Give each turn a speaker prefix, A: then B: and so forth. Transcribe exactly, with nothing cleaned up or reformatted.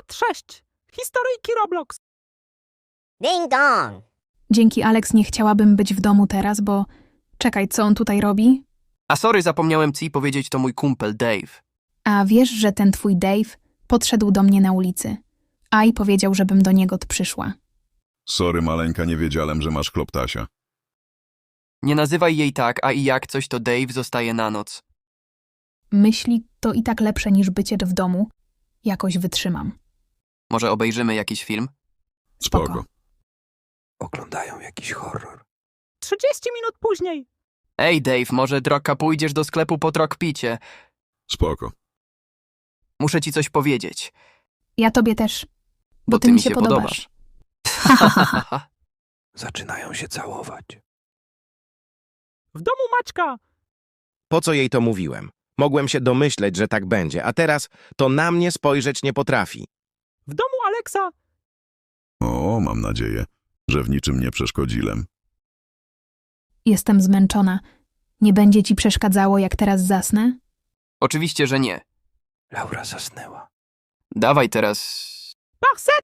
A: Part sześć. Historyjki Roblox.
B: Ding dong!
C: Dzięki Alex nie chciałabym być w domu teraz, bo... Czekaj, co on tutaj robi?
D: A sorry, zapomniałem ci powiedzieć, to mój kumpel Dave.
C: A wiesz, że ten twój Dave podszedł do mnie na ulicy. A i powiedział, żebym do niego przyszła.
E: Sorry, maleńka, nie wiedziałem, że masz kloptasia.
D: Nie nazywaj jej tak, a i jak coś, to Dave zostaje na noc.
C: Myśli to i tak lepsze niż bycie w domu. Jakoś wytrzymam.
D: Może obejrzymy jakiś film?
C: Spoko.
E: Spoko.
F: Oglądają jakiś horror.
A: trzydzieści minut później.
D: Ej, Dave, może droga pójdziesz do sklepu po trokpicie.
E: Spoko.
D: Muszę ci coś powiedzieć.
C: Ja tobie też. Bo, ty, mi się podobasz.
F: Zaczynają się całować.
A: W domu Maćka.
G: Po co jej to mówiłem? Mogłem się domyśleć, że tak będzie, a teraz to na mnie spojrzeć nie potrafi.
A: W domu Aleksa.
E: O, mam nadzieję, że w niczym nie przeszkodziłem.
C: Jestem zmęczona. Nie będzie ci przeszkadzało, jak teraz zasnę?
D: Oczywiście, że nie.
F: Laura zasnęła.
D: Dawaj teraz...
A: Parset.